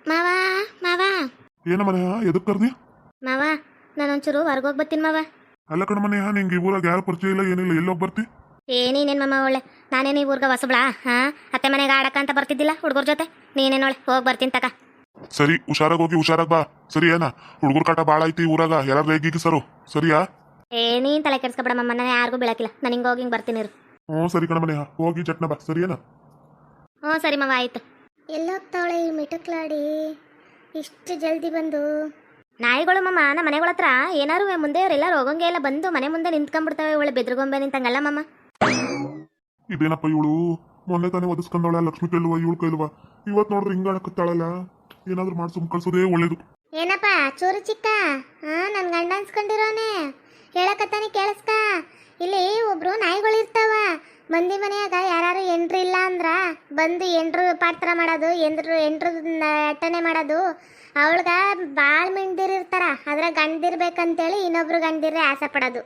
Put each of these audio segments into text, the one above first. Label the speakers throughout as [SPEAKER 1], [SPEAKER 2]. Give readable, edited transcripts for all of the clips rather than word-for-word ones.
[SPEAKER 1] ಮಾವ ಮಾವ
[SPEAKER 2] ಏನ ಮನೆಯ ಎದಕ್ ಕರ್ದಿ?
[SPEAKER 1] ಮಾವ ನಾನೊಂಚೂರು ಹೊರಗೋಗಿ ಬರ್ತೀನಿ ಮಾವ.
[SPEAKER 2] ಅಲ್ಲ ಕಣ ಮನೆಯ ನಿಂಗೆ ಈ ಊರಾಗ ಯಾರು ಪರಿಚಯ ಇಲ್ಲ ಏನಿಲ್ಲ, ಎಲ್ಲೋಗಿ ಬರ್ತಿ?
[SPEAKER 1] ನೀನೇನು ಮಾಮ ಒಳ್ಳೆ ನಾನೇನು ಈ ಊರ್ಗ ಹೊಸಬ್ಳಾ? ಅತ್ತೆ ಮನೆಗೆ ಆಡಕ್ಕ ಅಂತ ಬರ್ತಿದ್ದಿಲ್ಲ ಹುಡುಗರ ಜೊತೆ. ನೀನೇನೊಳೆ ಹೋಗಿ ಬರ್ತೀನಿ ತಕ.
[SPEAKER 2] ಸರಿ, ಹುಷಾರಾಗಿ ಹೋಗಿ ಹುಷಾರಾಗಿ ಬಾ. ಸರಿ ಏನ? ಹುಡುಗರ ಕಾಟ ಭಾಳ ಐತಿ ಊರಾಗ, ಯಾರು ರೇಗಿಗೆ ಸರು ಸರಿಯಾ?
[SPEAKER 1] ನೀನ್ ತಲೆ ಕೆಡ್ಸ್ಕೊಬೇಡ ಮಮ್ಮ, ನಾನು ಯಾರಿಗೂ ಬೀಳಕಿಲ್ಲ. ನಾನು ಹಿಂಗೆ ಹೋಗಿ ಹಿಂಗೆ ಬರ್ತೀನಿ ಇರು.
[SPEAKER 2] ಸರಿ ಕಣ ಮನೆಯ, ಹೋಗಿ ಚಟ್ನ ಬಾ. ಸರಿ ಏನ?
[SPEAKER 1] ಸರಿ ಮಾವ ಆಯ್ತು. ಎಲ್ಲೋಗ್ತಾವಳೆ ಈ ಮಿಟಕ್ಲಾಡಿ ಇಷ್ಟು ಜಲ್ದಿ ಬಂದು? ನಾಯಿಗಳು ಮಮ್ಮ ನಮ್ಮ ಮನೆಗಳ ಹತ್ರ ಏನಾರು ಮುಂದೆಯವರೆಲ್ಲರೂ ಹೋಗಂಗೆ ಎಲ್ಲ ಬಂದು ಮನೆ ಮುಂದೆ ನಿಂತ್ಕೊಂಡ್ಬಿಡ್ತಾವೆ. ಒಳ್ಳೆ ಬೆದ್ರಗೊಂಬೆ ನಿಂತಂಗಲ್ಲ ಮಮ್ಮ.
[SPEAKER 2] ಇದೇನಪ್ಪ ಇವಳು ಮೊನ್ನೆ ತಾನೇ ಒದಿಸ್ಕೊಂಡವಳ, ಲಕ್ಷ್ಮಿ ಕೈಲುವ ಇವಳು ಕೈಲುವ, ಇವತ್ತು ನೋಡ್ರಿ ಹಿಂಗ ಆಡಕತ್ತಾಳಲ್ಲ. ಏನಾದ್ರು ಮಾಡಿ ಸುಮ್ ಕಳ್ಸೋದೇ ಒಳ್ಳೇದು.
[SPEAKER 1] ಏನಪ್ಪ ಚೂರು ಚಿಕ್ಕ, ನನ್ ಗಂಡ ಅನ್ಸ್ಕೊಂಡಿರೋನೆ ಹೇಳಕತ್ತಾನೆ ಕೇಳಿಸ್ಕ. ಇಲ್ಲಿ ಒಬ್ರು ನಾಯಿಗಳು ಇರ್ತಾವ ಮಂದಿ ಮನೆಯಾಗ. ಯಾರು ಎಂಟ್ರು ಇಲ್ಲ ಅಂದ್ರ ಬಂದು ಎಂಟ್ರು ಪಾತ್ರ ಮಾಡೋದು, ಎಂಟ್ರು ಅಟ್ಟನೆ ಮಾಡೋದು. ಅವಳ್ಗ ಬಾಳ್ ಮಿಂದಿರಿರ್ತಾರ, ಅದ್ರ ಗಂಡಿರ್ಬೇಕಂತೇಳಿ ಇನ್ನೊಬ್ರು ಗಂಡಿರ್ರೆ ಆಸೆ ಪಡೋದು.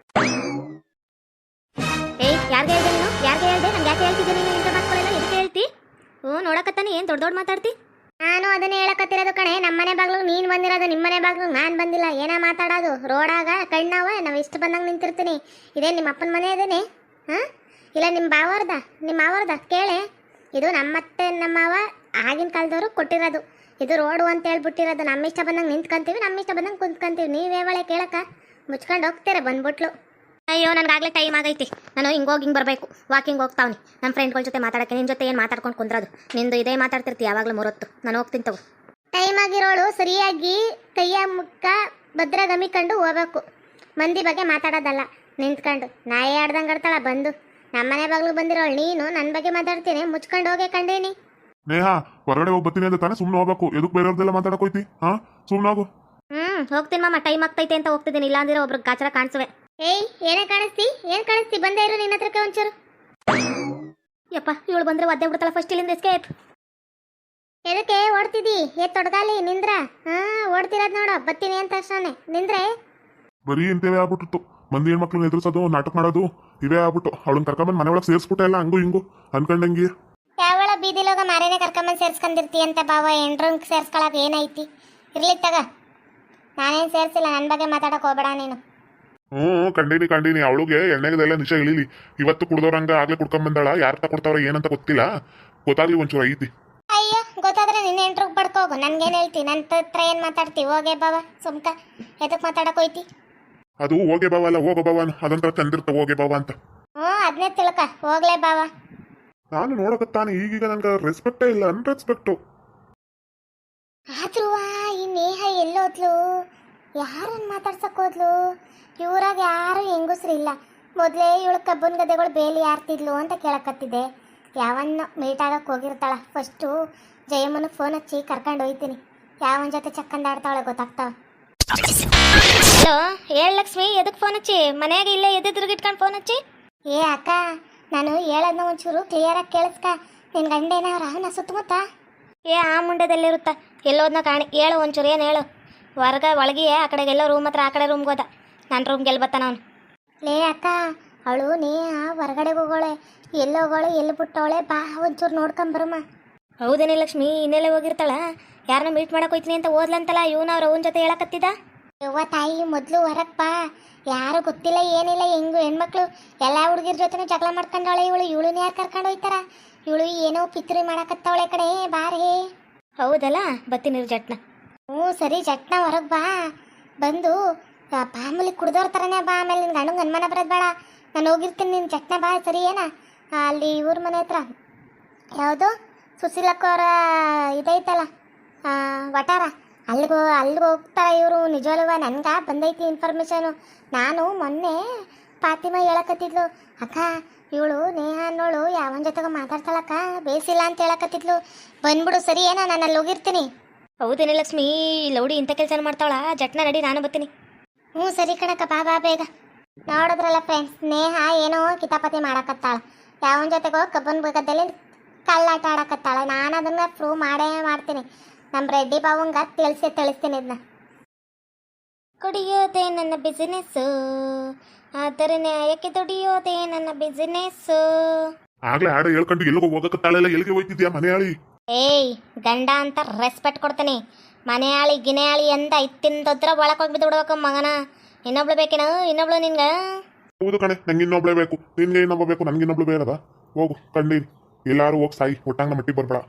[SPEAKER 1] ಯಾರಿಗೆ ಹೇಳ್ದೆ ನೀನು? ಯಾರಿಗೆ ಹೇಳ್ದೆ? ನಮ್ಗೆ ಯಾಕೆ ಹೇಳ್ತಿದ್ದೀನಿ ನೀನು? ಇಂಥ ಮಕ್ಕಳೆಲ್ಲ ಎದಕ್ಕೆ ಹೇಳ್ತಿ? ನೋಡಕತ್ತಾನೆ ಏನು ದೊಡ್ಡ ಮಾತಾಡ್ತಿ? ನಾನು ಅದನ್ನೇ ಹೇಳಕತ್ತಿರೋದು ಕಣೆ. ನಮ್ಮನೆ ಬಾಗ್ಲು ನೀನು ಬಂದಿರೋದು, ನಿಮ್ಮನೆ ಬಾಗ್ಲು ನಾನು ಬಂದಿಲ್ಲ. ಏನ ಮಾತಾಡೋದು? ರೋಡಾಗ ಕಣ್ಣವ ನಾವು ಇಷ್ಟು ಬಂದಂಗೆ ನಿಂತಿರ್ತೀನಿ. ಇದೇ ನಿಮ್ಮ ಅಪ್ಪನ ಮನೆ ಇದೇನೆ? ಇಲ್ಲ ನಿಮ್ಮ ಮಾವರ್ದ ಕೇಳೆ. ಇದು ನಮ್ಮತ್ತೆ ನಮ್ಮವ ಆಗಿನ ಕಾಲದವರು ಕೊಟ್ಟಿರೋದು. ಇದು ರೋಡು ಅಂತ ಹೇಳ್ಬಿಟ್ಟಿರೋದು. ನಮ್ಮ ಇಷ್ಟ ಬಂದಂಗೆ ನಿಂತ್ಕೊಂತೀವಿ, ನಮ್ಮ ಇಷ್ಟ ಬಂದಂಗೆ ಕುಂತ್ಕೊಂತೀವಿ. ನೀವೇವಳೆ ಕೇಳಕ್ಕ ಮುಚ್ಕೊಂಡು ಹೋಗ್ತೀರ ಬಂದ್ಬಿಟ್ಲು. ಅಯ್ಯೋ ನನಗಾಗಲೇ ಟೈಮ್ ಆಗೈತಿ. ನಾನು ಹಿಂಗೋಗಿ ಹಿಂಗೆ ಬರಬೇಕು. ವಾಕಿಂಗ್ ಹೋಗ್ತಾವ್ನಿ ನಮ್ಮ ಫ್ರೆಂಡ್ಗಳ ಜೊತೆ ಮಾತಾಡೋಕ್ಕೆ. ನಿನ್ನ ಜೊತೆ ಏನು ಮಾತಾಡ್ಕೊಂಡು ಕುಂದ್ರದು? ನಿಂದು ಇದೇ ಮಾತಾಡ್ತಿರ್ತಿ ಯಾವಾಗಲೂ ಮೂರೊತ್ತು. ನಾನು ಹೋಗ್ತೀನಿ ತಗೋ. ಟೈಮ್ ಆಗಿರೋಳು ಸರಿಯಾಗಿ ಕೈಯ ಮುಕ್ಕ ಭದ್ರ ಗಮಿಕೊಂಡು ಹೋಗ್ಬೇಕು. ಮಂದಿ ಬಗ್ಗೆ ಮಾತಾಡೋದಲ್ಲ. ನಿಂತ್ಕೊಂಡು ನಾಯಿ ಆಡ್ದಂಗೆ ಆಡ್ತಾಳ ಬಂದು. ನಮ್ಮನೆ ಬಾಗ್ಲು ಬಂದಿರೋಳು ನೀನು ನನ್ನ ಬಗ್ಗೆ ಮಾತಾಡ್ತೀನಿ. ಮುಚ್ಕೊಂಡು ಹೋಗೇ ಕಂಡೇನಿ.
[SPEAKER 2] ನೇಹಾ ಹೊರಗಡೆ ಹೋಗಿ ಬರ್ತೀನಿ ಅಂತ ತಾನೇ ಸುಮ್ಮನೆ ಹೋಗ್ಬೇಕು. ಎದಕ್ಕೆ ಬೇರೆಯವ್ರದೆಲ್ಲ ಮಾತಾಡಕ್ ಹೋಯ್ತಿ? ಸುಮ್ಮನೆ ಹೋಗು.
[SPEAKER 1] ಹೋಗ್ತೀನಿ ಮಾಮ, ಟೈಮ್ ಆಗ್ತೈತೆ ಅಂತ ಹೋಗ್ತಿದ್ದೀನಿ. ಇಲ್ಲ ಅಂದ್ರೆ ಒಬ್ರಿಗೆ ಗಾಚರ ಕಾಣಿಸುವೆ. ಏನೇ ಕಾಣಿಸ್ತಿ? ಏನ್ ಕಾಣಿಸ್ತಿ? ಬಂದೇ ಇರು ನಿನ್ನ ಹತ್ರಕ್ಕೆ ಒಂಚೂರು. ಯಪ್ಪ ಇವಳು ಬಂದ್ರೆ ಒದ್ದೆ ಬಿಡ್ತಾಳ. ಫಸ್ಟ್ ಇಲ್ಲಿಂದ ಎಸ್ಕೇಪ್. ಎದಕ್ಕೆ ಓಡ್ತಿದ್ದಿ? ತೊಡಗಾಲಿ ನಿಂದ್ರ. ಓಡ್ತಿರೋದ್ ನೋಡ. ಬತ್ತೀನಿ ಅಂತ ಅಷ್ಟೇ ನಿಂದ್ರೆ.
[SPEAKER 2] ಬರೀ ಇಂತವೇ ಆಗ್ಬಿಟ್ಟಿತ್ತು. ಮಂದಿ ಹೆಣ್ಮಕ್ಳನ್ನ ಎದುರಿಸೋದು, ನಾಟಕ ಮಾಡೋದು ಇವೇ ಆಗ್ಬಿಟ್ಟು. ಅವಳನ್ನ ಕರ್ಕೊಂಬಂದು ಮನೆ ಒಳಗೆ ಸೇರಿಸ್ಬಿಟ್ಟೆ ಎಲ್ಲ ಹಂಗು ಹಿಂಗು ಅನ್ಕೊಂಡಂಗಿ.
[SPEAKER 1] ಯಾವಳ ಬೀದಿಲೋಗ ಮಾರೇನೆ ಕರ್ಕೊಂಬಂದು ಸೇರ್ಸ್ಕೊಂಡಿರ್ತಿ ಅಂತ ಬಾವ. ಎಂಡ್ರಂಗ್ ಸೇರ್ಸ್ಕೊಳಕ್ ಏನೈತಿ? ಇರ್ಲಿ ತಗ, ನಾನೇನು ಸೇರ್ಸಿಲ್ಲ. ನನ್ನ ಬಗ್ಗೆ ಮಾತಾಡಕ್ ಹೋಗ್ಬೇಡ ನೀನು.
[SPEAKER 2] ಕಂಡೀನಿ. ಅವಳಿಗೆ ಎಣ್ಣೆಗದೆಲ್ಲ ನಿಜ ಇಳಿಲಿ. ಇವತ್ತು ಕುಡ್ದವ್ರಂಗ ಆಗ್ಲೇ ಕುಡ್ಕೊಂಬಂದಾಳ. ಯಾರ ತಗೊಡ್ತಾವ್ರ ಏನಂತ ಗೊತ್ತಿಲ್ಲ. ಗೊತ್ತಾಗ್ಲಿ ಒಂಚೂರು ಐತಿ.
[SPEAKER 1] ಅಯ್ಯೋ ಗೊತ್ತಾದ್ರೆ ನಿನ್ನ ಎಂಟ್ರಿಗೆ ಪಡ್ಕೋಗು. ನನ್ಗೇನು ಹೇಳ್ತಿ? ನನ್ನ ಹತ್ರ ಏನು ಮಾತಾಡ್ತಿ? ಹೋಗೇ ಬಾವ ಸುಮ್ಕ. ಎದಕ್ಕೆ ಮಾತಾಡಕ್ ಹೋಯ್ತಿ?
[SPEAKER 2] ಅದು ಹೋಗೇ ಬಾವ ಅಲ್ಲ, ಹೋಗೋ ಬಾವ ಅದಂತ ಚಂದಿರ್ತ ಹೋಗೇ ಬಾವ ಅಂತ.
[SPEAKER 1] ಅದನ್ನೇ ತಿಳ್ಕ. ಹೋಗ್ಲೇ ಬಾವ.
[SPEAKER 2] ನಾನು ನೋಡಕತ್ತಾನೆ ಈಗೀಗ ನನ್ಗೆ ರೆಸ್ಪೆಕ್ಟೇ ಇಲ್ಲ, ಅನ್ರೆಸ್ಪೆಕ್ಟು.
[SPEAKER 1] ಆದ್ರೂ ಈ ನೇಹ ಎಲ್ಲೋದ್ಲು? ಯಾರನ್ನ ಮಾತಾಡ್ಸಕ್ ಹೋದ್ಲು? ಇವ್ರಾಗ ಯಾರು ಹೆಂಗಸ್ರಿಲ್ಲ. ಮೊದಲೇ ಇವಳು ಕಬ್ಬನ್ ಗದೆಗಳು ಬೇಲಿ ಯಾರ್ತಿದ್ಲು ಅಂತ ಕೇಳಕತ್ತಿದ್ದೆ. ಯಾವನ್ನ ಮೀಟ್ ಆಗಕ್ಕೆ ಹೋಗಿರ್ತಾಳ. ಫಸ್ಟು ಜಯಮ್ಮನಿಗೆ ಫೋನ್ ಹಚ್ಚಿ ಕರ್ಕೊಂಡು ಹೋಯ್ತೀನಿ. ಯಾವನ ಜೊತೆ ಚಕ್ಕಂದಾಡ್ತಾವಳೆ ಗೊತ್ತಾಗ್ತಾವ. ಹಲೋ ಹೇಳ ಲಕ್ಷ್ಮಿ, ಎದಕ್ಕೆ ಫೋನ್ ಹಚ್ಚಿ? ಮನೆಯಾಗ ಇಲ್ಲೇ ಎದ್ದಿರ್ಗಿಟ್ಕೊಂಡು ಫೋನ್ ಹಚ್ಚಿ. ಅಕ್ಕ, ನಾನು ಹೇಳೋದನ್ನ ಒಂಚೂರು ಕ್ಲಿಯರಾಗಿ ಕೇಳಿಸ್ಕ. ನಿನ್ನ ಗಂಡ ಏನಾರ ನಾ ಸುತ್ತಮುತ್ತ? ಆ ಮುಂಡದಲ್ಲಿರುತ್ತ ಎಲ್ಲೋದನ್ನ ಕಾಣಿ. ಹೇಳು ಒಂಚೂರು, ಏನು ಹೇಳು? ಒಳಗೆ ಆ ಕಡೆಗೆಲ್ಲ ರೂಮ್ ಹತ್ರ, ಆ ಕಡೆ ರೂಮ್ಗೆ ಹೋದ. ನನ್ನ ರೂಮ್ಗೆ ಎಲ್ಲಿ ಬರ್ತಾನ ಅವನು? ಅಕ್ಕ, ಅವಳು ಹೊರಗಡೆಗೆ ಹೋಗೋಳೆ. ಎಲ್ಲಿ ಹೋಗೋಳೆ, ಎಲ್ಲಿ ಬಿಟ್ಟವಳೆ? ಬಾ ಒಂಚೂರು ನೋಡ್ಕೊಂಬರಮ್ಮ. ಹೌದೇನೆ ಲಕ್ಷ್ಮಿ, ಇನ್ನೆಲ್ಲೇ ಹೋಗಿರ್ತಾಳ? ಯಾರನ್ನ ಮೀಟ್ ಮಾಡಕ್ಕೆ ಹೋಯ್ತೀನಿ ಅಂತ ಓದ್ಲಂತಲ್ಲ. ಇವನು ಅವ್ರ ಅವನ ಜೊತೆ ಹೇಳಕತ್ತಿದ. ಯವ್ವ ತಾಯಿ, ಮೊದಲು ಹೊರಗೆ ಬಾ. ಯಾರು ಗೊತ್ತಿಲ್ಲ ಏನಿಲ್ಲ. ಹೆಣ್ಮಕ್ಳು ಎಲ್ಲ ಹುಡುಗಿರ ಜೊತೆ ಜಗಳ ಮಾಡ್ಕೊಂಡವಳೆ ಇವಳು. ಇವಳನ್ನ ಯಾರು ಕರ್ಕೊಂಡು ಹೋಯ್ತಾರ? ಇವಳು ಏನೋ ಪಿತ್ರಿ ಮಾಡಕತ್ತವಳೆ ಕಡೆ. ಬಾರೇ. ಹೌದಲ್ಲ, ಬತ್ತೀನಿ ಜಟ್ನ. ಸರಿ ಜಟ್ನ ಹೊರಗೆ ಬಾ. ಬಂದು ಮಾಮೂಲಿ ಕುಡ್ದವ್ರ ಥರನೇ ಬಾ. ಆಮೇಲೆ ನಿನ್ನ ಗಂಡಂಗೆ ಅನುಮಾನ ಬರೋದು ಬೇಡ. ನಾನು ಹೋಗಿರ್ತೀನಿ, ನಿನ್ನ ಜಟ್ನ ಬಾ. ಸರಿ ಏನ? ಅಲ್ಲಿ ಇವ್ರ ಮನೆ ಹತ್ರ ಯಾವುದು ಸುಶೀಲಕ್ಕವರ ಇದೈತಲ್ಲ ವಟಾರ, ಅಲ್ಲಿಗೆ ಹೋಗ್ತಾರ ಇವರು. ನಿಜವಲ್ವ? ನನ್ಗೆ ಬಂದೈತಿ ಇನ್ಫಾರ್ಮೇಶನು. ನಾನು ಮೊನ್ನೆ ಫಾತಿಮಾ ಹೇಳಕತ್ತಿದ್ಲು, ಅಕ್ಕ ಇವಳು ನೇಹ ಅನ್ನೋಳು ಯಾವನ ಜೊತೆಗೆ ಮಾತಾಡ್ತಾಳಕ್ಕ, ಬೇಸಿಲ್ಲ ಅಂತ ಹೇಳಕತ್ತಿದ್ಲು. ಬಂದ್ಬಿಡು ಸರಿ ಏನ? ನಾನು ಅಲ್ಲಿ ಹೋಗಿರ್ತೀನಿ. ಹೌದೇನೆ ಲಕ್ಷ್ಮಿ, ಲೌಡಿ ಇಂಥ ಕೆಲಸ ಮಾಡ್ತಾವಳ. ಜಟ್ನ ನಡಿ, ನಾನು ಬರ್ತೀನಿ. ಸರಿ ಕಣಕ್ಕ, ಬಾ ಬೇಗ. ನೋಡಿದ್ರಲ್ಲ ಫ್ರೆಂಡ್ಸ್, ನೇಹ ಏನೋ ಕಿತಾಪತಿ ಮಾಡಕತ್ತಾಳ. ಯಾವನ ಜೊತೆಗೋ ಕಬ್ಬನ್ ಗದ್ದಲ್ಲಿ ಕಳ್ಳಾಟ ಆಡಕತ್ತಾಳ. ನಾನು ಅದನ್ನ ಪ್ರೂವ್ ಮಾಡೇ ಮಾಡ್ತೀನಿ. ನಮ್ಮ ರೆಡ್ಡಿ ಬಾವಂಗ ತಿಳಿಸ್ತೀನಿ ಇದನ್ನ. ಕುಡಿಯೋದೇ ನನ್ನ ಬಿಸಿನೆಸ್ಸು, ಆದರೆ ನ್ಯಾಯಕ್ಕೆ ದುಡಿಯೋದೇ ನನ್ನ ಬಿಸಿನೆಸ್ಸು.
[SPEAKER 2] ಆಗ್ಲೇ ಹಾಡು ಹೇಳ್ಕೊಂಡು ಎಲ್ಲಿಗೆ ಹೋಗಕತ್ತಾಳೆಲ್ಲ, ಎಲ್ಲಿಗೆ ಹೋಯ್ತಿದ್ಯಾ ಮನೆ ಹೇಳಿ?
[SPEAKER 1] ಏಯ್ ಗಂಡ ಅಂತ ರೆಸ್ಪೆಕ್ಟ್ ಕೊಡ್ತೀನಿ. ಮನೆ ಆಳಿ ಗಿನೆ ಆಳಿ ಅಂತ ಇತ್ತಿಂದದ್ರ ಒಳಗೆ ಹೋಗಿ ಬಿಡ್ಬೇಕು ಮಗನ. ಇನ್ನೊಬ್ಳು ಬೇಕೇನು? ಇನ್ನೊಬ್ಳು ನಿನ್ಗೆ?
[SPEAKER 2] ಹೌದು ಕಣೆ, ನಂಗೆ ಇನ್ನೊಬ್ಳೆ ಬೇಕು. ನಿನ್ಗೆ ಇನ್ನೊಬ್ಬ ಬೇಕು, ನನ್ಗೆ ಇನ್ನೊಬ್ಳು ಬೇಡದ. ಹೋಗು ಕಂಡೀರಿ, ಎಲ್ಲಾರು ಹೋಗಿ ಸಾಯಿ, ಒಟ್ಟಂಗ ಮಟ್ಟಿಗೆ ಬರ್ಬೇಡ.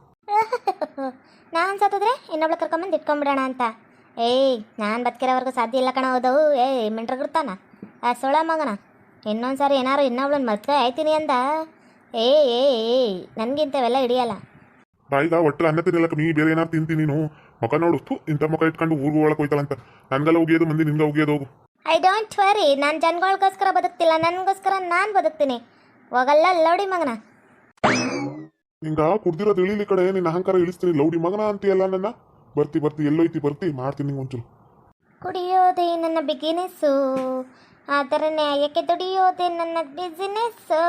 [SPEAKER 1] ನಾನು ಸತ್ತಿದ್ರೆ ಇನ್ನೊಬ್ಳು ಕರ್ಕೊಂಬಂದು ಇಟ್ಕೊಂಡ್ಬಿಡೋಣ ಅಂತ. ಏಯ್ ನಾನು ಬದುಕಿರೋವರೆಗೂ ಸಾಧ್ಯ ಇಲ್ಲ ಕಣ. ಹೌದವು ಏಯ್ ಮಿಂಟ್ರಗಿರ್ತಾನ ಆ ಸೊಳ ಮಗನ. ಇನ್ನೊಂದು ಸಾರಿ ಏನಾರು ಇನ್ನೊಬ್ಳನ್ನ ಮದ್ವೆ ಆಯ್ತೀನಿ ಅಂದ ಏಯ್ ನನಗಿಂತವೆಲ್ಲ ಹಿಡಿಯಲ್ಲ.
[SPEAKER 2] ಈಗ ಒಟ್ಟು ಅನ್ನ ತಿನ್ನಲ್ಲ ಕಮ್ಮಿ, ಬೇರೆ ಏನಾರು ತಿಂತೀನಿ ನೀನು. ಮುಖ ನೋಡು, ಇಂಥ ಮುಖ ಇಟ್ಕೊಂಡು ಊರ್ಗೂ ಒಳಗೆ ಹೋಯ್ತಾಳಂತ. ನನ್ಗೆಲ್ಲ ಉಗಿಯೋದು ಮಂದಿ, ನಿನ್ಗೆ ಉಗಿಯೋದು ಹೋಗು.
[SPEAKER 1] ಐ ಡೋಂಟ್ ವರಿ, ನಾನು ಜನಗಳಿಗೋಸ್ಕರ ಬದುಕ್ತಿಲ್ಲ, ನನಗೋಸ್ಕರ ನಾನು ಬದುಕ್ತೀನಿ. ಹೋಗಲ್ಲ ಲೌಡಿ ಮಗನ.
[SPEAKER 2] ನಿಂಗ ಕುಡ್ದಿರೋದು ಇಳಿಲಿ ಕಡೆ, ನಿನ್ನ ಅಹಂಕಾರ ಇಳಿಸ್ತೀನಿ. ಲೌಡಿ ಮಗನ ಅಂತೀಯಲ್ಲ ನನ್ನ. ಬರ್ತಿ ಎಲ್ಲೋಯ್ತಿ ಬರ್ತಿ, ಮಾಡ್ತೀನಿ ನಿಂಗೆ ಒಂಚೂರು.
[SPEAKER 1] ಕುಡಿಯೋದೇ ನನ್ನ ಬಿಗಿನೆಸ್ಸು, ಅದರ ನ್ಯಾಯಕ್ಕೆ ದುಡಿಯೋದೇ ನನ್ನ ಬಿಸಿನೆಸ್ಸು.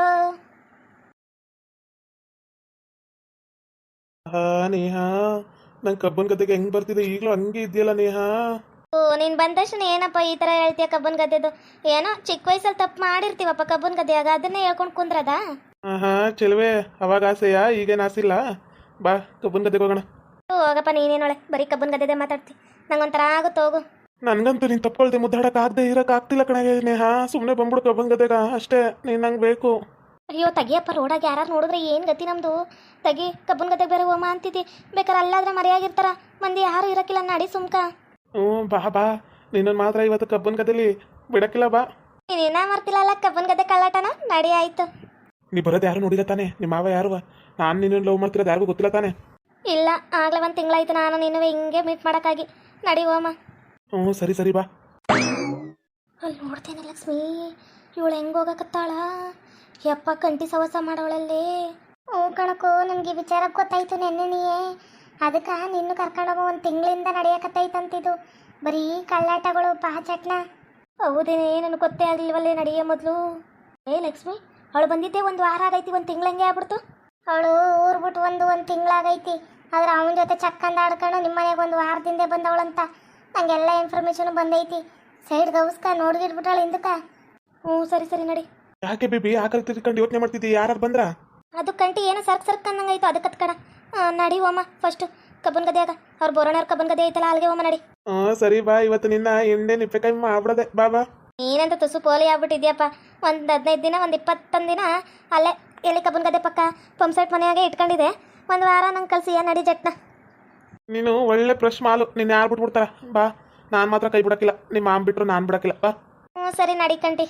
[SPEAKER 3] ನೇಹಾ, ನಂಗೆ ಕಬ್ಬನ್ ಗದ್ದೆಗೆ ಹೆಂಗ್ ಬರ್ತಿದೆ ಈಗಲೂ ಹಂಗೆ ಇದೆಯಲ್ಲ ನೇಹಾ.
[SPEAKER 1] ಓ ನೀನು ಬಂದ ತಕ್ಷಣ ಏನಪ್ಪ ಈ ಥರ ಹೇಳ್ತೀಯ? ಕಬ್ಬನ್ ಗದ್ದೆದು ಏನೋ ಚಿಕ್ಕ ವಯಸ್ಸಲ್ಲಿ ತಪ್ಪು ಮಾಡಿರ್ತೀವಪ್ಪ ಕಬ್ಬನ್ ಗದ್ದೆಯಾಗ, ಅದನ್ನೇ ಹೇಳ್ಕೊಂಡು ಕುಂದ್ರದ?
[SPEAKER 3] ಚೆಲುವೆ, ಅವಾಗ ಆಸೆಯಾ, ಈಗೇನು ಆಸಿಲ್ಲ. ಬಾ ಕಬ್ಬನ್ ಗದ್ದೆಗೆ ಹೋಗೋಣ.
[SPEAKER 1] ಹೋಗಪ್ಪ ನೀನೇನೊಳೆ ಬರೀ ಕಬ್ಬನ್ ಗದ್ದೆದೆ ಮಾತಾಡ್ತಿ, ನಂಗೊಂಥರ ಆಗುತ್ತೆ ಹೋಗು.
[SPEAKER 3] ನನ್ಗಂತೂ ನೀನು ತಪ್ಪಳ್ದೆ ಮುದ್ದಾಡಕ್ಕೆ ಆಗದೆ ಇರಕ್ಕೆ ಆಗ್ತಿಲ್ಲ ಕಣೆ ನೇಹಾ. ಸುಮ್ಮನೆ ಬಂದ್ಬಿಡು ಕಬ್ಬನ್ ಗದ್ದೆಗ ಅಷ್ಟೇ, ನೀನು ನಂಗೆ ಬೇಕು.
[SPEAKER 1] ಅಯ್ಯೋ ತೆಗಿಯಪ್ಪ, ರೋಡಾಗ ಯಾರು ನೋಡಿದ್ರೆ ಏನು ಗತಿ ನಮ್ಮದು. ತೆಗಿ, ಕಬ್ಬನ್ ಗದ್ದೆಗೆ ಬೇರೆ ಹೋಮ ಅಂತಿದ್ದಿ. ಬೇಕಾದ್ರೆ ಅಲ್ಲಾದ್ರೆ ಮರೆಯಾಗಿರ್ತಾರ ಮಂದಿ, ಯಾರು ಇರಕ್ಕಿಲ್ಲ. ನಡಿ ಸುಮ್ಕ.
[SPEAKER 3] ಬಾ ನಿನ್ನನ್ನು ಮಾತ್ರ ಇವತ್ತು ಕಬ್ಬನ್ ಗದ್ದೆಲಿ ಬಿಡಕ್ಕಿಲ್ಲ. ಬಾ,
[SPEAKER 1] ನೀನೇನ ಮರ್ತಿಲ್ಲಲ್ಲ ಕಬ್ಬನ್ ಗದ್ದೆ ಕಳ್ಳಾಟನ. ನಡಿ ಆಯ್ತು.
[SPEAKER 3] ನೀ ಬರೋದು ಯಾರು ನೋಡಿಲ್ಲ ತಾನೆ? ನಿಮ್ಮ ಮಾವ ಯಾರು? ನಾನು ನಿನ್ನನ್ನು ಲವ್ ಮಾಡ್ತಿರೋದು ಯಾರಿಗೂ ಗೊತ್ತಿಲ್ಲ ತಾನೆ?
[SPEAKER 1] ಇಲ್ಲ, ಆಗ್ಲೇ ಒಂದು ತಿಂಗಳಾಯ್ತು ನಾನು ನೀನು ಹಿಂಗೆ ಮೀಟ್ ಮಾಡೋಕ್ಕಾಗಿ. ನಡಿ ಹೋಮ.
[SPEAKER 3] ಸರಿ ಬಾ.
[SPEAKER 1] ಅಲ್ಲಿ ನೋಡ್ತೇನೆ ಲಕ್ಷ್ಮಿ, ಇವಳು ಹೆಂಗೆ ಹೋಗಕತ್ತಾಳ. ಯಪ್ಪ ಕಂಟಿ ಸವಸ ಮಾಡೋಳಲ್ಲಿ. ಕಣಕು, ನನಗೆ ವಿಚಾರ ಗೊತ್ತಾಯ್ತು ನೆನ್ನೆನೆಯೇ. ಅದಕ್ಕೆ ನಿನ್ನ ಕರ್ಕೊಂಡೋಗೋ ಒಂದು ತಿಂಗಳಿಂದ ನಡೆಯಕತ್ತೈತಂತಿದ್ದು. ಬರೀ ಕಳ್ಳಾಟಗಳು ಪಾಚಟ್ನ. ಹೌದೇನೆ, ನನಗೆ ಗೊತ್ತೇ ಆಗಲಿಲ್ವಲ್ಲೇ ನಡೆಯೋ ಮೊದಲು. ಲಕ್ಷ್ಮಿ, ಅವಳು ಬಂದಿದ್ದೆ ಒಂದು ವಾರ ಆಗೈತಿ, ಒಂದು ತಿಂಗಳಂಗೆ ಆಗ್ಬಿಡ್ತು. ಅವಳು ಊರು ಬಿಟ್ಟು ಒಂದು ತಿಂಗಳಾಗೈತಿ. ಆದ್ರೆ ಅವನ ಜೊತೆ ಚಕ್ಕಂದ ಆಡ್ಕೊಂಡು ನಿಮ್ಮ ಮನೆಗೆ ಒಂದು ವಾರದಿಂದ ಬಂದವಳಂತ ನಂಗೆಲ್ಲ ಇನ್ಫಾರ್ಮೇಶನ್ ಬಂದೈತಿ. ಸೈಡ್ ಗೌಸ್ಕ ನೋಡ್ಗಿಟ್ಬಿಟ್ಟಾಳ ಹಿಂದಕ್ಕೆ. ಸರಿ ನಡಿ.
[SPEAKER 3] ಯಾಕೆ ಬೇಬಿ ಆಕಲ್ ತಿರ್ಕೊಂಡು ಯೋಚನೆ ಮಾಡ್ತಿದ್ದಿ? ಯಾರು ಬಂದ್ರ?
[SPEAKER 1] ಅದು ಕಂಟಿ ಏನೋ ಸರ್ಕ್ ಅನ್ನಂಗಾಯ್ತು, ಅದಕ್ಕೆ ಕತ್ಕಡ. ನಡಿ ಹೋಮ ಫಸ್ಟ್ ಕಬ್ಬನ್ ಗದ್ದೆಯಾಗ. ಅವ್ರು ಬೋರೋಣವ್ರ ಕಬ್ಬನ್ ಗದ್ದೆ ಐತಲ್ಲ, ಅಲ್ಲಿಗೆ ಹೋಮ ನಡಿ.
[SPEAKER 3] ಸರಿ ಬಾ. ಇವತ್ತು ನಿನ್ನ ಹಿಂದೆ ನಿಪ್ಪೆಕಾಯಿ ಮಾಡ್ಬಿಡದೆ. ಬಾ.
[SPEAKER 1] ನೀನಂತ ತುಸು ಪೋಲಿ ಆಗ್ಬಿಟ್ಟಿದ್ಯಪ್ಪ. ಒಂದು 15 ದಿನ, ಒಂದು 21 ದಿನ ಅಲ್ಲೇ ಎಲ್ಲಿ ಕಬ್ಬನ್ ಗದ್ದೆ ಪಕ್ಕ ಪಂಪ್ ಸೆಟ್ ಮನೆಯಾಗೆ ಇಟ್ಕೊಂಡಿದೆ. ಒಂದು ವಾರ ನಂಗೆ ಕಳ್ಸಿಯ ನಡಿ ಜಟ್ನ.
[SPEAKER 3] ನೀನು ಒಳ್ಳೆ ಫ್ರೆಶ್ ಮಾಲು, ನಿನ್ನ ಯಾರು ಬಿಟ್ಬಿಡ್ತಾರ? ಬಾ, ನಾನು ಮಾತ್ರ ಕೈ ಬಿಡಕ್ಕಿಲ್ಲ. ನಿಮ್ಮ ಮಾಮ್ ಬಿಟ್ರು ನಾನು ಬಿಡಕ್ಕಿಲ್ಲ. ಬಾ.
[SPEAKER 1] ಸರಿ ನಡಿ ಕಂಟಿ.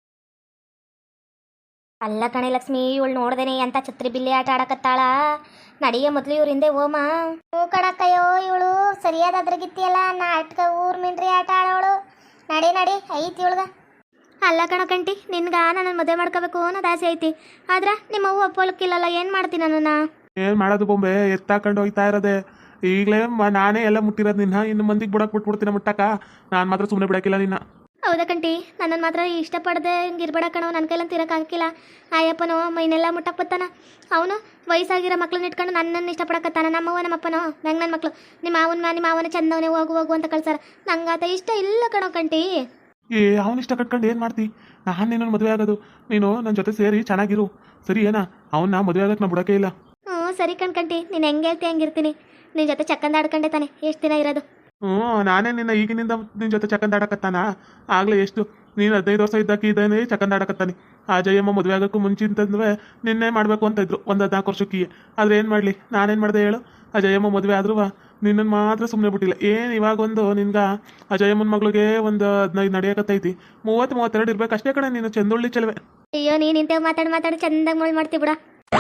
[SPEAKER 1] ಅಲ್ಲ ಕಣೆ ಲಕ್ಷ್ಮಿ, ಇವಳು ನೋಡ್ದೇನೆ ಅಂತ ಛತ್ರಿ ಬಿಲ್ಲಿ ಆಟ ಆಡಕತ್ತಾಳ. ನಡಿಯ ಮೊದಲು ಇವ್ರ ಹಿಂದೆ ಹೋಮ. ಕಣಕ್ಕಯ್ಯೋ, ಇವಳು ಸರಿಯಾದ ಅದ್ರಗಿತ್ತಿಯಲ್ಲ, ನಾಟಕ ಊರ್ ಮಿಂಡ್ರಿ ಆಟ ಆಡೋಳು. ನಡಿ ಐತಿ ಇವಳ್ಗ. ಅಲ್ಲ ಕಣ ಕಂಟಿ, ನಿನ್ಗ ನನ್ನ ಮದುವೆ ಮಾಡ್ಕೋಬೇಕು ಅನ್ನೋದು ಆಸೆ ಐತಿ. ಆದ್ರೆ ನಿಮ್ಮ ಅವ್ವ ಒಪ್ಪೋಲಕ್ಕಿಲ್ಲಲ್ಲ, ಏನು ಮಾಡ್ತೀನಿ ನಾನು?
[SPEAKER 3] ಏನು ಮಾಡೋದು ಬೊಂಬೆ, ಎತ್ತಾಕೊಂಡು ಹೋಗ್ತಾ ಇರೋದೆ. ಈಗಲೇ ನಾನೇ ಎಲ್ಲ ಮುಟ್ಟಿರೋದು ನಿನ್ನ. ಇನ್ನು ಮಂದಿಗೆ ಬಿಟ್ಬಿಡ್ತೀನಿ ಮುಟ್ಟಕ್ಕ. ನಾನು ಮಾತ್ರ ಸುಮ್ಮನೆ ಬಿಡಕ್ಕಿಲ್ಲ ನಿನ್ನ.
[SPEAKER 1] ಹೌದಾ ಕಂಟಿ, ನನ್ನನ್ನು ಮಾತ್ರ ಇಷ್ಟಪಡದೆ ಹಿಂಗೆ ಇರ್ಬೇಡ ಕಣೋ. ನನ್ನ ಕೈಲಂತ ಇರೋಕ್ಕಾಗಿಲ್ಲ. ಆಯಪ್ಪನೋ ಮೈನೆಲ್ಲ ಮುಟ್ಟಕ್ಕೆ ಬತ್ತಾನ. ಅವನು ವಯಸ್ಸಾಗಿರೋ ಮಕ್ಳನ್ನ ಇಟ್ಕೊಂಡು ನನ್ನನ್ನು ಇಷ್ಟಪಡಕತ್ತಾನ. ನಮ್ಮವ್ವ ನಮ್ಮಪ್ಪನೋ ನಂಗೆ ನನ್ನ ಮಕ್ಕಳು ನಿಮ್ಮ ಮಾವನ ಚಂದವನೇ ಹೋಗು ಅಂತ ಕಳ್ಸಾರ. ನಂಗಾತ ಇಷ್ಟ ಇಲ್ಲ ಕಣೋ ಕಂಟಿ.
[SPEAKER 3] ಅವನ ಇಷ್ಟ ಕಟ್ಕೊಂಡು ಏನು ಮಾಡ್ತಿ? ನಾನು ನಿನ್ನನ್ನು ಮದುವೆ ಆಗೋದು. ನೀನು ನನ್ನ ಜೊತೆ ಸೇರಿ ಚೆನ್ನಾಗಿರು, ಸರಿ ಏನಾ? ಅವನ್ನ ಮದುವೆ ಆಗೋಕ್ಕೆ ನಾನು ಬಿಡೋಕೆ ಇಲ್ಲ.
[SPEAKER 1] ಸರಿ ಕಣ್ಕಂಟಿ, ನೀನು ಹೆಂಗೆ ಹೇಳ್ತಿ ಹಂಗಿರ್ತೀನಿ. ನಿನ್ನ ಜೊತೆ ಚಕ್ಕಂದ ಆಡ್ಕೊಂಡೆ ತಾನೆ ಎಷ್ಟು ದಿನ ಇರೋದು.
[SPEAKER 3] ನಾನೇ ನಿನ್ನ ಈಗಿನಿಂದ ನಿನ್ನ ಜೊತೆ ಚಕ್ಕಂದ ಆಡಕತ್ತಾನ. ಆಗಲೇ ಎಷ್ಟು ನೀನು 15 ವರ್ಷ ಇದ್ದಾಕಿ ಇದ್ದಾನೆ ಚಕ್ಕಂದ ಆಡಕತ್ತಾನೆ. ಆ ಜಯಮ್ಮ ಮದುವೆ ಆಗೋಕ್ಕೂ ಮುಂಚಿಂತಂದ್ರೆ ನಿನ್ನೆ ಮಾಡಬೇಕು ಅಂತ ಇದ್ರು, ಒಂದು 14 ವರ್ಷಕ್ಕೆ. ಆದರೆ ಏನು ಮಾಡಲಿ, ನಾನೇನು ಮಾಡಿದೆ ಹೇಳು? ಆ ಜಯಮ್ಮ ಮದುವೆ ಆದ್ರೂ ನಿನ್ನನ್ನು ಮಾತ್ರ ಸುಮ್ಮನೆ ಬಿಟ್ಟಿಲ್ಲ. ಏನು ಇವಾಗೊಂದು ನಿನ್ಗೆ ಆ ಜಯಮ್ಮನ ಮಗಳಿಗೆ ಒಂದು 15 ನಡೆಯಕತ್ತೈತಿ. 30-32 ಇರ್ಬೇಕು ಅಷ್ಟೇ ಕಣೆ. ನೀನು ಚಂದೊಳ್ಳಿ ಚೆಲುವೆ.
[SPEAKER 1] ಅಯ್ಯೋ, ನೀನು ಇಂತ ಮಾತಾಡಿ ಚಂದಾಗ ಮೋಳ್ ಮಾಡ್ತಿ ಬಿಡ.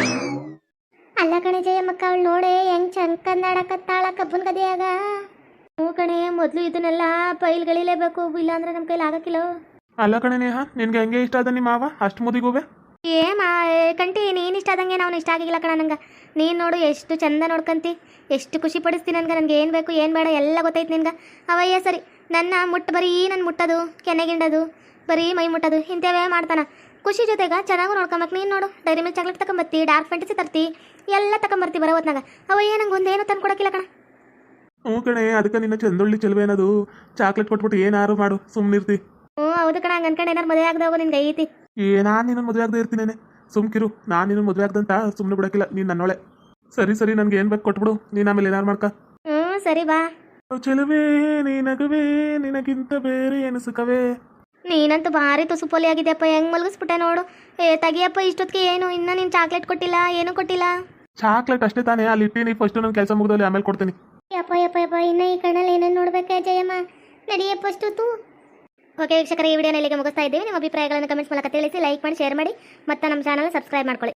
[SPEAKER 1] ಅಲ್ಲ ಕಣೆ ಜಯಮ್ಮಕ್ಕ, ಅವಳು ನೋಡೆ ಹೆಂಗ್ ಚಂಕಂದ ಆಡಕತ್ತಾಳ ಕಬ್ಬನ್ ಗದೆಯಾಗ. ಕಣೆ, ಮೊದಲು ಇದನ್ನೆಲ್ಲ ಪೈಲ್ಗಳಿಲೇಬೇಕು, ಇಲ್ಲಾಂದ್ರೆ ನಮ್ಮ ಕೈಲಿ ಆಗಕ್ಕಿಲ್ಲ.
[SPEAKER 3] ಅಲ್ಲ ಕಣೆ ನೇಹ, ನಿನ್ಗೆ ಹೆಂಗೆ ಇಷ್ಟ ಅದ ನಿಮ್ಮ ಮಾವ ಅಷ್ಟು ಮುದಿಗೂವೆ?
[SPEAKER 1] ಕಂಟಿ, ನೀನು ಇಷ್ಟ ಆದಂಗೆ ನಾವು ಇಷ್ಟ ಆಗಿಲ್ಲ ಕಣ ನಂಗೆ. ನೀನು ನೋಡು ಎಷ್ಟು ಚಂದ ನೋಡ್ಕಂತಿ, ಎಷ್ಟು ಖುಷಿ ಪಡಿಸ್ತೀನಿ ನನಗೆ ಏನು ಬೇಕು ಏನು ಬೇಡ ಎಲ್ಲ ಗೊತ್ತೈತೆ ನಿನ್ಗೆ. ಅವಯ್ಯ ಸರಿ, ನನ್ನ ಬರೀ ನನ್ನ ಮುಟ್ಟೋದು, ಕೆನೆಗಿಂಡೋದು, ಬರೀ ಮೈ ಮುಟ್ಟೋದು ಇಂಥವೇ ಮಾಡ್ತಾನ. ಖುಷಿ ಜೊತೆಗೆ ಚೆನ್ನಾಗೂ ನೋಡ್ಕೊಂಬೇಕು. ನೀನು ನೋಡು, ಡೈರಿ ಮಿಲ್ಕ್ ಚಾಕ್ಲೇಟ್ ತಗೊಂಬರ್ತಿ, ಡಾರ್ಕ್ ಫ್ಯಾಂಟಸಿ ತರ್ತಿ, ಎಲ್ಲ ತಗೊಂಬರ್ತಿ ಬರೋ ಹೊತ್ನಾಗ. ಅವಯ್ಯ ನಂಗೆ ಒಂದೇನು ತಂದು ಕೊಡೋಕ್ಕಿಲ್ಲ ಕಣ.
[SPEAKER 3] ಕಣೆ, ಅದಕ್ಕೆ ನಿನ್ನ ಚಂದೊಳ್ಳಿ ಚೆಲುವೆ ಅನ್ನೋದು. ಚಾಕ್ಲೇಟ್ ಕೊಟ್ಬಿಟ್ಟು ಏನಾರು ಮಾಡು, ಸುಮ್ಮನಿರ್ತಿ.
[SPEAKER 1] ಹೌದು ಕಣ, ಹಂಗೆ ಅನ್ಕೊಂಡು ಏನಾರು ಮದುವೆ ಆಗದೆ ಹೋಗೋ ನಿನ್ಗೆ ಐತಿ.
[SPEAKER 3] ನಾನು ನಿನ್ನ ಮದುವೆ ಆಗದೆ ಇರ್ತೀನೇನೆ, ಸುಮ್ಕಿರು. ನಾನು ನಿನ್ನ ಮದುವೆ ಆಗ್ದಂತ ಸುಮ್ಮನೆ ಬಿಡೋಕ್ಕಿಲ್ಲ. ನೀನು ನನ್ನೊಳೆ ಸರಿ ಸರಿ ನನಗೆ ಏನು ಬೇಕು ಕೊಟ್ಬಿಡು, ನೀನು ಆಮೇಲೆ ಏನಾರು ಮಾಡ್ಕ.
[SPEAKER 1] ಹ್ಞೂ ಸರಿ ಬಾ.
[SPEAKER 3] ಚೆಲುವೆ ನೀನಗುವೆ ನಿನಗಿಂತ ಬೇರೆ ಏನು ಸುಖವೇ.
[SPEAKER 1] ನೀನಂತೂ ಭಾರಿ ತುಸು ಪೊಲಿ ಆಗಿದೆಯಪ್ಪ, ಹೆಂಗ್ ಮಲಗಿಸ್ಬಿಟ್ಟೆ ನೋಡು. ತೆಗಿಯಪ್ಪ, ಇಷ್ಟೊತ್ತಿಗೆ ಏನು ಇನ್ನೂ ನೀನು ಚಾಕ್ಲೇಟ್ ಕೊಟ್ಟಿಲ್ಲ, ಏನೂ ಕೊಟ್ಟಿಲ್ಲ.
[SPEAKER 3] ಚಾಕ್ಲೇಟ್ ಅಷ್ಟೇ ತಾನೇ ಅಲ್ಲಿ ಇಟ್ಟೀನಿ, ಫಸ್ಟ್ ನನ್ನ ಕೆಲಸ ಮುಗಿದಲ್ಲಿ ಆಮೇಲೆ ಕೊಡ್ತೀನಿ.
[SPEAKER 1] ಯಪ್ಪ ಯಪ್ಪ ಯಪ್ಪ, ಇನ್ನು ಈ ಕಣ್ಣಲ್ಲಿ ಏನೇನು ನೋಡ್ಬೇಕಾ ಜಯಮ್ಮ, ನಡಿಯಪ್ಪ ಅಷ್ಟೊತ್ತು. ಓಕೆ ವೀಕ್ಷಕರೇ, ಈ ವಿಡಿಯೋನ ಇಲ್ಲಿಗೆ ಮುಗಿಸ್ತಾ ಇದ್ದೀವಿ. ನಿಮ್ಮ ಅಭಿಪ್ರಾಯಗಳನ್ನು ಕಮೆಂಟ್ಸ್ ಮೂಲಕ ತಿಳಿಸಿ, ಲೈಕ್ ಮಾಡಿ, ಶೇರ್ ಮಾಡಿ, ಮತ್ತು ನಮ್ಮ ಚಾನಲ್ ಸಬ್ಸ್ಕ್ರೈಬ್ ಮಾಡ್ಕೊಳ್ಳಿ.